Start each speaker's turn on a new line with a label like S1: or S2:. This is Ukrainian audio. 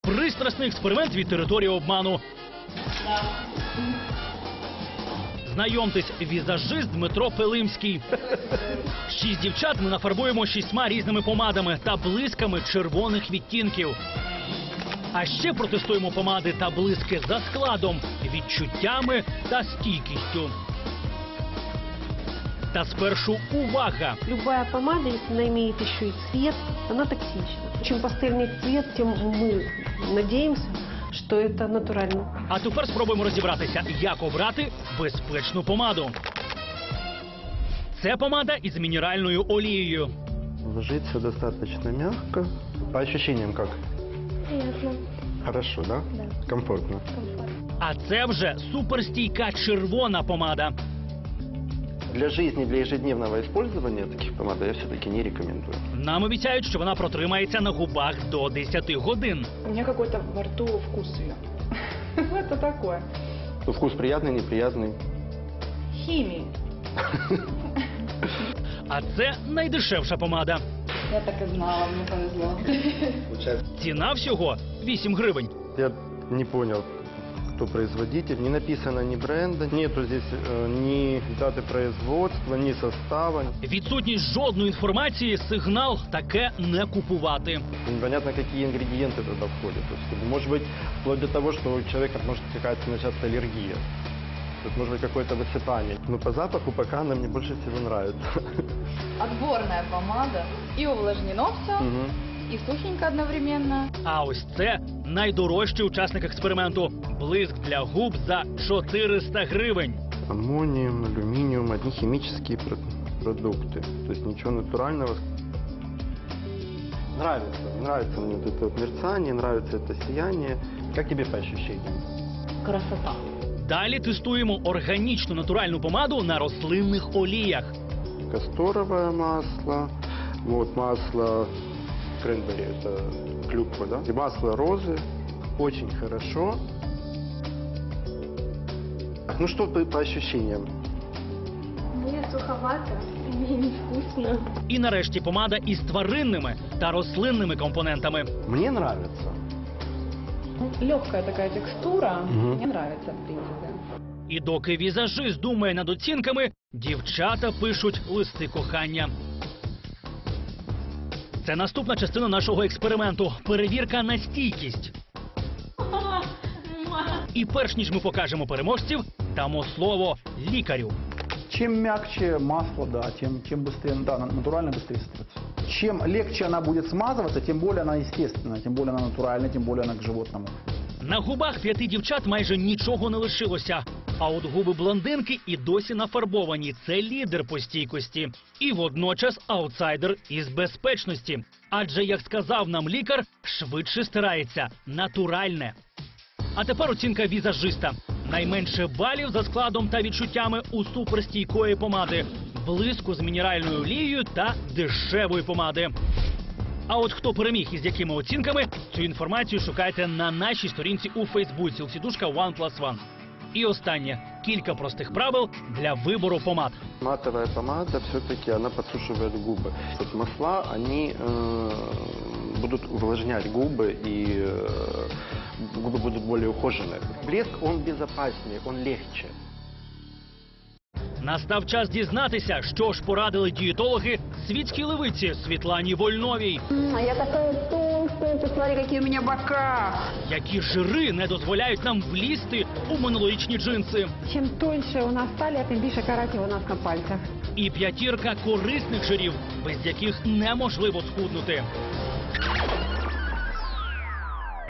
S1: Пристрасний експеримент від території обману. Знайомтесь, візажист Дмитро Пилимський. 6 дівчат ми нафарбуємо 6 різними помадами та блисками червоних відтінків. А ще протестуємо помади та блиски за складом, відчуттями та стійкістю. Та спершу увага!
S2: Любая помада, если она имеет еще и цвет, она токсична. Чем пастельный цвет, тем мы надеемся, что это натурально.
S1: А тепер спробуємо розібратися, як обрати безпечну помаду. Це помада із мінеральною олією.
S3: Ложится достаточно мягко. По ощущениям как?
S2: Приятно.
S3: Хорошо, да?
S2: Да.
S3: Комфортно.
S1: А це вже суперстійка червона помада.
S3: Для жизни, для ежедневного использования таких помад я все-таки не рекомендую.
S1: Нам обіцяють, що вона протримається на губах до 10 годин.
S4: У меня какой-то во рту вкус ее. Это такое.
S3: Ну, вкус приятный, неприятный.
S4: Химии.
S1: А це найдешевша помада.
S4: Я так и знала, мне повезло.
S1: Ціна всього 8 гривень.
S3: Я не понял, кто производитель. Не написано ни бренда, нету здесь ни даты производства, ни состава.
S1: Відсутність жодної інформації, сигнал таке не купувати.
S3: Непонятно, какие ингредиенты туда входят. То есть, может быть, вплоть до того, что у человека может какая-то начаться аллергия. Тут может быть какое-то высыпание. Но по запаху пока она мне больше всего нравится.
S4: Отборная помада. И увлажнено все,
S3: Мгм.
S4: и сухенько одновременно.
S1: А ось це найдорожчий учасник експерименту. Блиск для губ за 400 гривень.
S3: Аммониум, алюминиум, одни химические продукты. То есть ничего натурального. Нравится мне вот это вот мерцание, нравится это сияние. Как тебе по ощущениям?
S4: Красота.
S1: Далі тестуємо органічну натуральну помаду на рослинних оліях.
S3: Касторовое масло, вот масло кренбери, это клюква, да? И масло розы, очень хорошо. Ну что по ощущениям?
S2: Мне суховато, мне невкусно.
S1: І нарешті помада із тваринними та рослинними компонентами.
S3: Мне нравится.
S4: Легкая такая текстура.
S3: Мгм.
S4: Мне нравится, в принципе.
S1: І доки візажист думає над оцінками, дівчата пишуть листи кохання. Це наступна частина нашого експерименту – перевірка на стійкість. І перш ніж ми покажемо переможців, дамо слово лікарю.
S5: Чем мягче масло, да, тем быстрее, да, натурально быстрее стрется. Чем легче она будет смазываться, тем более она естественная, тем более она натуральная, тем более она к животному.
S1: На губах 5 дівчат майже нічого не лишилося. А от губи блондинки і досі нафарбовані. Це лідер по стійкості. І водночас аутсайдер із безпечності. Адже, як сказав нам лікар, швидше стирається натуральне. А тепер оцінка візажиста. Найменше балів за складом та відчуттями у суперстійкої помади, блиску з мінеральною олією та дешевої помади. А от хто переміг і з якими оцінками, цю інформацію шукайте на нашій сторінці у Фейсбуці «Лсідушка OnePlus1». І останнє – кілька простих правил для вибору помад.
S3: Матовая помада все-таки она подсушивает губы. Вот масла, они будут увлажнять губы, и губы будут более ухоженные. Блеск, он безопаснее, он легче.
S1: Настав час дізнатися, що ж порадили дієтологи світській левиці Світлані Вольновій.
S6: А я такая толстая, посмотри, какие у меня бока.
S1: Які жири не дозволяють нам влізти у минулорічні джинси.
S2: Чем тоньше у нас талия, тем більше каратів у нас на пальцях.
S1: І 5 корисних жирів, без яких неможливо схуднути.